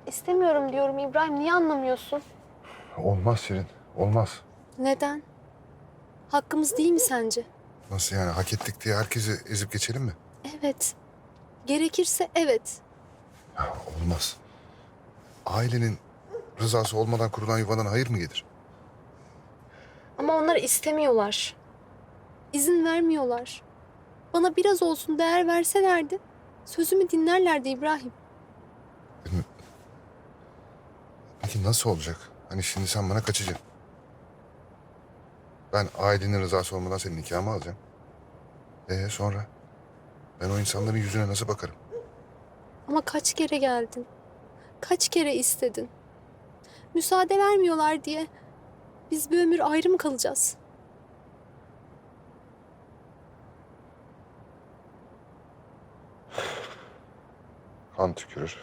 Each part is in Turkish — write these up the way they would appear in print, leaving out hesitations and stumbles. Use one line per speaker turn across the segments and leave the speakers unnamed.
İstemiyorum diyorum İbrahim. Niye anlamıyorsun?
Olmaz Şirin, olmaz.
Neden? Hakkımız değil mi sence?
Nasıl yani, hak ettik diye herkesi ezip geçelim mi?
Evet. Gerekirse evet.
Ya, olmaz. Ailenin rızası olmadan kurulan yuvadan hayır mı gelir?
Ama onlar istemiyorlar. İzin vermiyorlar. Bana biraz olsun değer verselerdi sözümü dinlerlerdi İbrahim.
Peki nasıl olacak? Hani şimdi sen bana kaçacaksın. Ben ailenin rızası olmadan senin nikahımı alacağım. Sonra? Ben o insanların yüzüne nasıl bakarım?
Ama kaç kere geldin? Kaç kere istedin? Müsaade vermiyorlar diye biz bir ömür ayrı mı kalacağız?
Kan tükürür.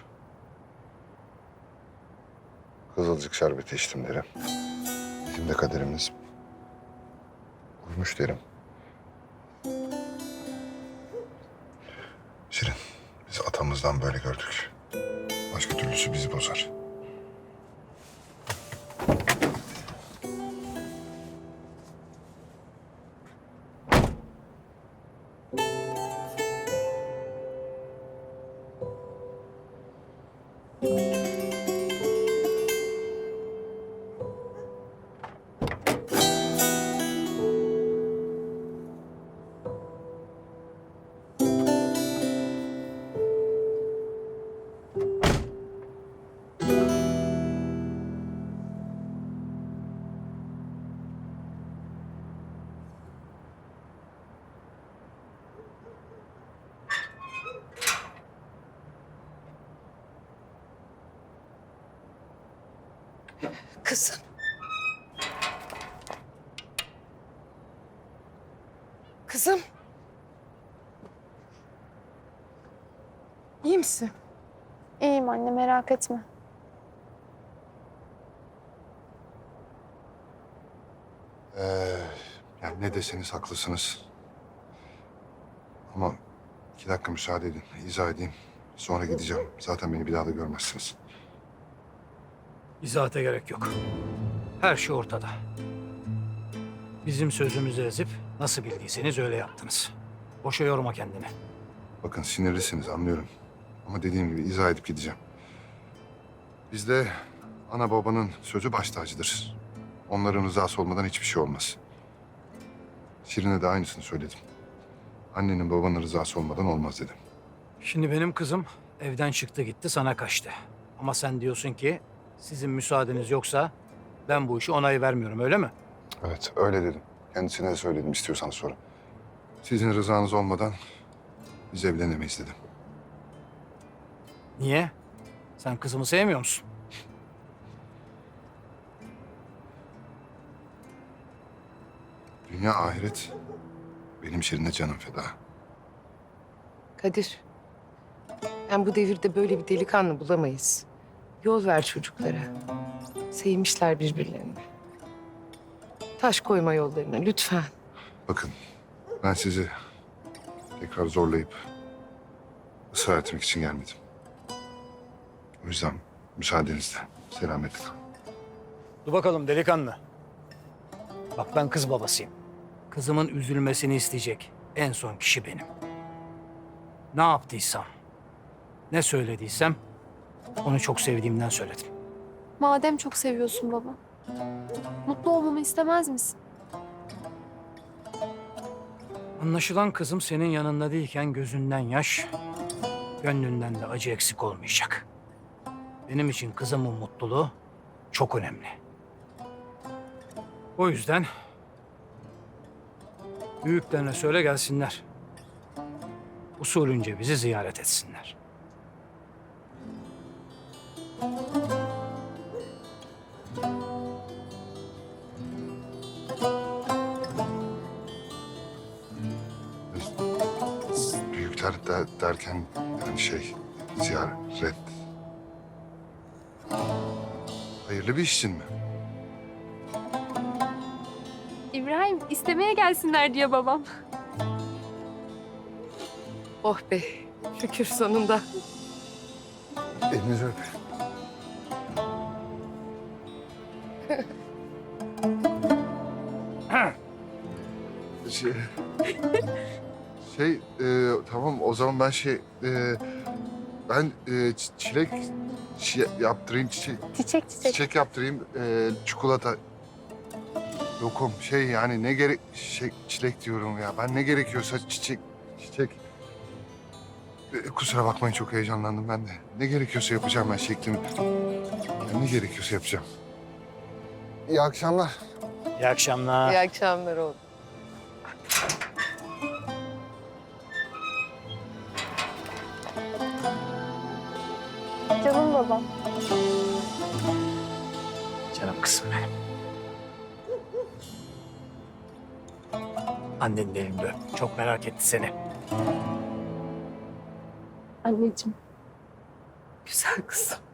Kızılcık şerbeti içtim derim. Bizim de kaderimiz uymuş derim. Şirin, biz atamızdan böyle gördük. Başka türlüsü bizi bozar.
Kızım. Kızım. İyi misin?
İyiyim anne, merak etme.
Yani ne deseniz haklısınız. Ama 2 dakika müsaade edin, izah edeyim. Sonra gideceğim. Zaten beni bir daha da görmezsiniz.
İzahata gerek yok. Her şey ortada. Bizim sözümüzü ezip nasıl bildiyseniz öyle yaptınız. Boşa yorma kendini.
Bakın sinirlisiniz, anlıyorum. Ama dediğim gibi izah edip gideceğim. Bizde ana babanın sözü baş tacıdır. Onların rızası olmadan hiçbir şey olmaz. Şirin'e de aynısını söyledim. Annenin babanın rızası olmadan olmaz dedim.
Şimdi benim kızım evden çıktı gitti sana kaçtı. Ama sen diyorsun ki sizin müsaadeniz yoksa ben bu işe onay vermiyorum öyle mi?
Evet, öyle dedim. Kendisine de söyledim istiyorsanız sonra. Sizin rızanız olmadan biz evlenemeyiz dedim.
Niye? Sen kızımı sevmiyor musun?
Dünya ahiret benim Şirin'e canım feda.
Kadir. Ben bu devirde böyle bir delikanlı bulamayız. Yol ver çocuklara. Sevmişler birbirlerini. Taş koyma yollarına lütfen.
Bakın, ben sizi tekrar zorlayıp ısrar etmek için gelmedim. O yüzden müsaadenizle selametle kalın.
Dur bakalım delikanlı. Bak ben kız babasıyım. Kızımın üzülmesini isteyecek en son kişi benim. Ne yaptıysam, ne söylediysem onu çok sevdiğimden söyledim.
Madem çok seviyorsun baba, mutlu olmamı istemez misin?
Anlaşılan kızım senin yanında değilken gözünden yaş, gönlünden de acı eksik olmayacak. Benim için kızımın mutluluğu çok önemli. O yüzden büyüklerine söyle gelsinler. Usulünce bizi ziyaret etsinler.
Büyükler derken yani ziyaret. Hayırlı bir iş için mi?
İbrahim, istemeye gelsinler diyor babam.
Oh be şükür sonunda.
Elinizi öpeyim. Şey, tamam o zaman ben çilek yaptırayım,
Çiçek.
çiçek yaptırayım, çikolata, lokum, yani ne gerek, çilek diyorum ya. Ben ne gerekiyorsa çiçek. Kusura bakmayın çok heyecanlandım ben de. Ne gerekiyorsa yapacağım ben şeklimi. Ne gerekiyorsa yapacağım. İyi akşamlar.
İyi akşamlar.
İyi akşamlar oğlum.
Canım babam.
Canım kızım benim. Annenin elinde öp. Çok merak etti seni.
Anneciğim.
Güzel kızım.